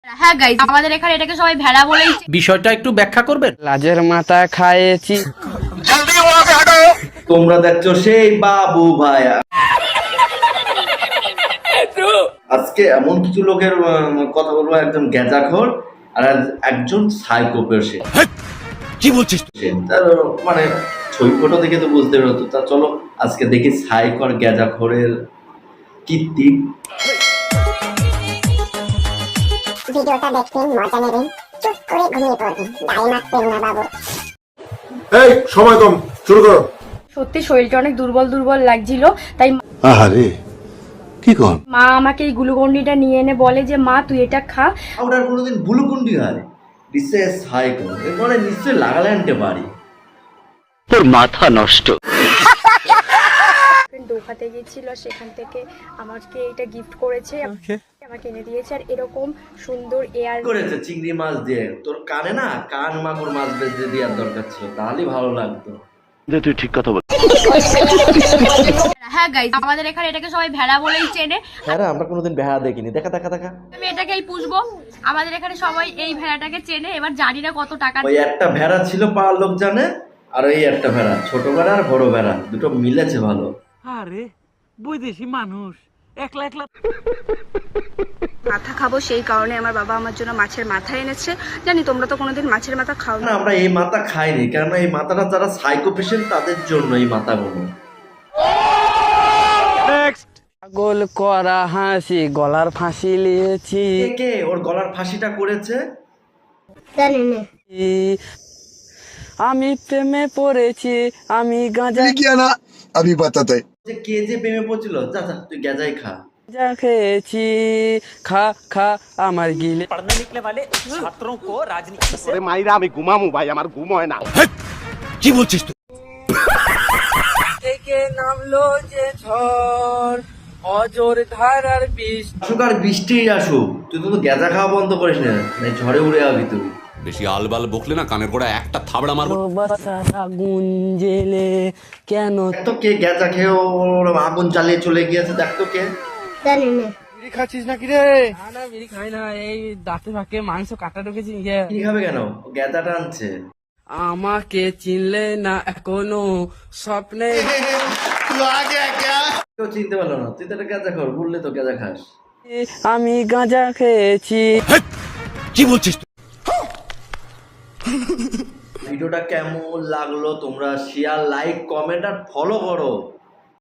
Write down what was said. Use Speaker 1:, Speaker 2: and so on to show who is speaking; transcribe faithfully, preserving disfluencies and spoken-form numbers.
Speaker 1: হ্যাঁ গাইস, আমাদের এখানে এটাকে সবাই ভেড়া বলেই।
Speaker 2: বিষয়টা একটু ব্যাখ্যা করবেন?
Speaker 3: লাজের মাথা খাইয়েছি।
Speaker 4: তোমরা দেখছো সেই বাবু ভাইয়া। আজকে এমন কিছু লোকের উম, কথা বলবো, একজন গ্যাজাখোর আর একজন সাইকো পেশেন্ট।
Speaker 2: কি বলছিস?
Speaker 4: তার মানে ছবি ফটো দেখে তো বুঝতে পারতো। তা চলো আজকে দেখি সাইকো আর গ্যাজাখোরের কীর্তি।
Speaker 5: ভিডিওটা দেখবেন, মজা নেবেন, চুপ করে ঘুমিয়ে পড়বেন, দায় মারবেন না বাবু।
Speaker 6: এই সময় কম, শুরু করো।
Speaker 1: সত্যি শরীরটা অনেক দুর্বল দুর্বল লাগছিল, তাই
Speaker 6: আহারে কি কর
Speaker 1: মা আমাকে এই গ্লুকন্ডিটা নিয়ে এনে বলে যে মা তুই এটা খা।
Speaker 4: আমরা আর কোনোদিন বুলুকুন্ডি হয় নিশ্চয় সাইকো মানে নিশ্চয় লাগালে আনতে পারি।
Speaker 3: তোর মাথা নষ্ট।
Speaker 1: দোকাতে গিয়েছিল, সেখান থেকে আমাকে এটা গিফট করেছে, আমাকে এনে দিয়েছে। আর এরকম সুন্দর এয়ার
Speaker 4: করেছে চিংড়ি মাছ দিয়ে। তোর কানে না কান মাগুর মাছ বেঁধে দেওয়ার দরকার ছিল, তাহলেই ভালো লাগতো।
Speaker 3: তুই ঠিক কথা বল।
Speaker 1: হ্যাঁ গাইস, আমাদের এখানে এটাকে সবাই ভেড়া বলেই চেনে।
Speaker 4: হ্যাঁ আমরা কোনোদিন ভেড়া দেখিনি। দেখা দেখা দেখা
Speaker 1: আমি এটাকেই পুষবো। আমাদের এখানে সবাই এই ভেড়াটাকে চেনে। এবার জানি না কত টাকা।
Speaker 4: ওই একটা ভেড়া ছিল পাওয়ার লোক জানে, আর ওই একটা ভেড়া, ছোট ভেড়া আর বড় ভেড়া দুটো মিলেছে ভালো।
Speaker 2: আরে বৈদেশি মানুষ একলা একলা
Speaker 7: মাথা খাবো, সেই কারণে আমার বাবা আমার জন্য মাছের মাথা এনেছে। জানি তোমরা তো কোনোদিন মাছের মাথা খাও
Speaker 4: না
Speaker 7: না।
Speaker 4: আমরা এই মাথা খাইনি, কারণ এই মাথাটা যারা সাইকো পেশেন্ট তাদের জন্য এই মাথাগুলো।
Speaker 3: পাগল করা হাসি, গলার ফাঁসি লিয়েছি।
Speaker 4: কে কে ওর গলার ফাঁসিটা করেছে?
Speaker 5: জানি না।
Speaker 3: আমি প্রেমে পড়েছি, আমি গাঁজা
Speaker 6: কিয়া না আমি বাতাতে
Speaker 4: যে কে যে প্রেমে পড়ছিল, যা যা তুই গেজাই খা।
Speaker 3: যা খেয়েছি, খা খা আমার গিলে।
Speaker 2: पढ़ने निकले वाले छात्रों को राजनीति से
Speaker 6: মাইরা আমি ঘুমামু ভাই, আমার ঘুম হয় না।
Speaker 2: কি বলছিস তুই?
Speaker 3: থেকে নামলো যে ঝড়, অজর ধারার বিষ।
Speaker 4: আসুক আর বৃষ্টি আসুক, তুই তো গেজা খাওয়া বন্ধ করিস না, নাই ঝড়ে উড়ে যাবি তুই।
Speaker 8: বেশি আলবাল বকলে না কানের গোড়া একটা থাবড়া মারবো।
Speaker 3: আগুন জেলে কেন
Speaker 4: দেখ তো কে গেজা খেয়ে ওর আগুন জ্বালিয়ে চলে গিয়েছে, দেখ তো কে।
Speaker 5: জানি না।
Speaker 3: বিড়ি খাচ্ছিস নাকি রে? না না বিড়ি খাই না, এই দাঁতে ফাঁকে মাংস কাটা ঢুকেছি।
Speaker 4: কি খাবে কেন? ও গেজাটা আনছে।
Speaker 3: আমাকে চিনলে না এখনো স্বপ্নে।
Speaker 4: কেউ চিনতে পারলো না, তুই তো একটা গেজা খর, বললে তো গেজা খাস।
Speaker 3: আমি গাঁজা খেয়েছি।
Speaker 2: কি বলছিস তুই?
Speaker 4: ভিডিওটা কেমন লাগলো তোমরা শেয়ার, লাইক, কমেন্ট আর ফলো করো।